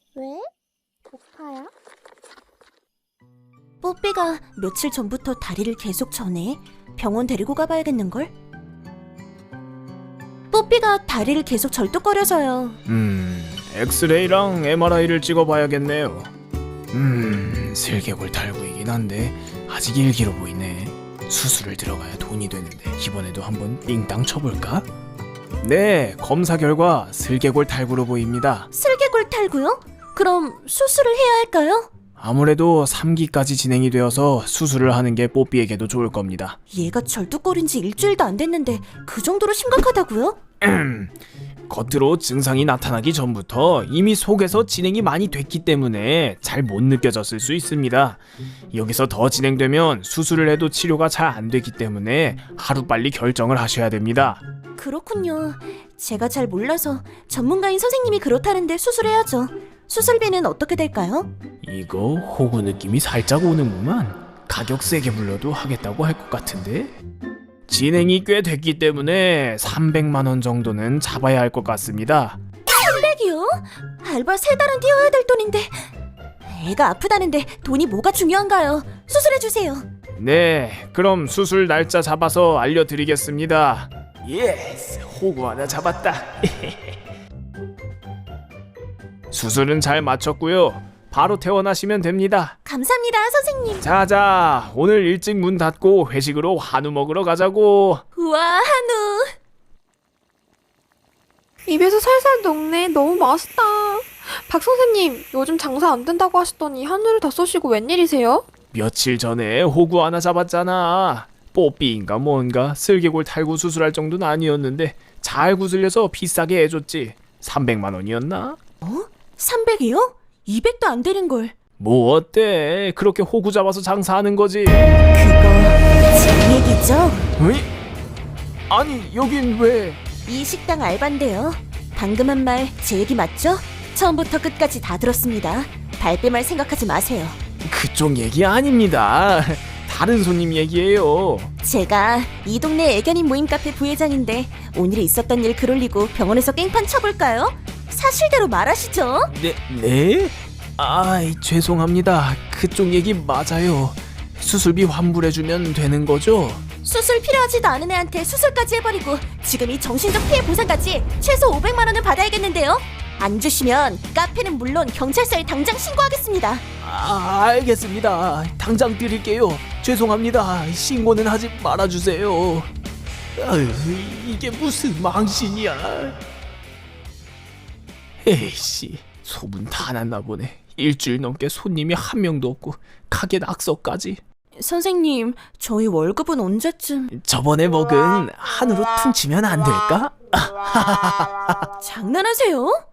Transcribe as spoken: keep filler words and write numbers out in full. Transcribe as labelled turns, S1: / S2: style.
S1: 왜? 고파요?
S2: 뽀삐가 며칠 전부터 다리를 계속 저네. 병원 데리고 가봐야겠는걸? 뽀삐가 다리를 계속 절뚝거려서요.
S3: 음, 엑스레이랑 엠알아이를 찍어봐야겠네요. 음, 슬개골 탈구이긴 한데 아직 일기로 보이네. 수술을 들어가야 돈이 되는데 이번에도 한번 띵땅 쳐볼까? 네, 검사 결과 슬개골 탈구로 보입니다.
S2: 슬개골 탈구요? 그럼 수술을 해야 할까요?
S3: 아무래도 삼 기까지 진행이 되어서 수술을 하는 게 뽀삐에게도 좋을 겁니다.
S2: 얘가 절뚝거린 지 일주일도 안 됐는데 그 정도로 심각하다고요?
S3: 겉으로 증상이 나타나기 전부터 이미 속에서 진행이 많이 됐기 때문에 잘 못 느껴졌을 수 있습니다. 여기서 더 진행되면 수술을 해도 치료가 잘 안 되기 때문에 하루빨리 결정을 하셔야 됩니다.
S2: 그렇군요. 제가 잘 몰라서 전문가인 선생님이 그렇다는데 수술해야죠. 수술비는 어떻게 될까요?
S3: 이거 호구 느낌이 살짝 오는구만. 가격 세게 불러도 하겠다고 할 것 같은데? 진행이 꽤 됐기 때문에 삼백만 원 정도는 잡아야 할 것 같습니다.
S2: 삼백이요? 알바 세 달은 뛰어야 될 돈인데. 애가 아프다는데 돈이 뭐가 중요한가요? 수술해주세요.
S3: 네, 그럼 수술 날짜 잡아서 알려드리겠습니다. 예스, 호구 하나 잡았다. 수술은 잘 마쳤고요. 바로 퇴원하시면 됩니다.
S2: 감사합니다, 선생님.
S3: 자자, 오늘 일찍 문 닫고 회식으로 한우 먹으러 가자고.
S2: 우와, 한우.
S1: 입에서 살살 녹네. 너무 맛있다. 박 선생님, 요즘 장사 안 된다고 하시더니 한우를 다 쏘시고 웬일이세요?
S3: 며칠 전에 호구 하나 잡았잖아. 뽀삐인가 뭔가 슬개골 탈구 수술할 정도는 아니었는데 잘 구슬려서 비싸게 해줬지. 삼백만 원이었나?
S2: 어? 삼백이요? 이백도 안 되는 걸.
S3: 뭐 어때? 그렇게 호구 잡아서 장사하는 거지.
S2: 그거 제 얘기죠?
S3: 어이? 아니 여긴 왜?
S2: 이 식당 알바인데요. 방금 한 말 제 얘기 맞죠? 처음부터 끝까지 다 들었습니다. 발뺌할 생각하지 마세요.
S3: 그쪽 얘기 아닙니다. 다른 손님 얘기예요.
S2: 제가 이 동네 애견인 모임 카페 부회장인데 오늘에 있었던 일 글 올리고 병원에서 깽판 쳐볼까요? 사실대로 말하시죠.
S3: 네? 네? 아이 죄송합니다. 그쪽 얘기 맞아요. 수술비 환불해주면 되는 거죠?
S2: 수술 필요하지도 않은 애한테 수술까지 해버리고 지금 이 정신적 피해 보상까지 최소 오백만 원을 받아야겠는데요? 안 주시면 카페는 물론 경찰서에 당장 신고하겠습니다.
S3: 아 알겠습니다. 당장 드릴게요. 죄송합니다. 신고는 하지 말아주세요. 아유, 이게 무슨 망신이야. 에이씨, 소문 다 났나 보네. 일주일 넘게 손님이 한 명도 없고 가게 낙서까지.
S2: 선생님, 저희 월급은 언제쯤...
S3: 저번에 먹은 한우로 퉁치면 안 될까?
S2: 장난하세요?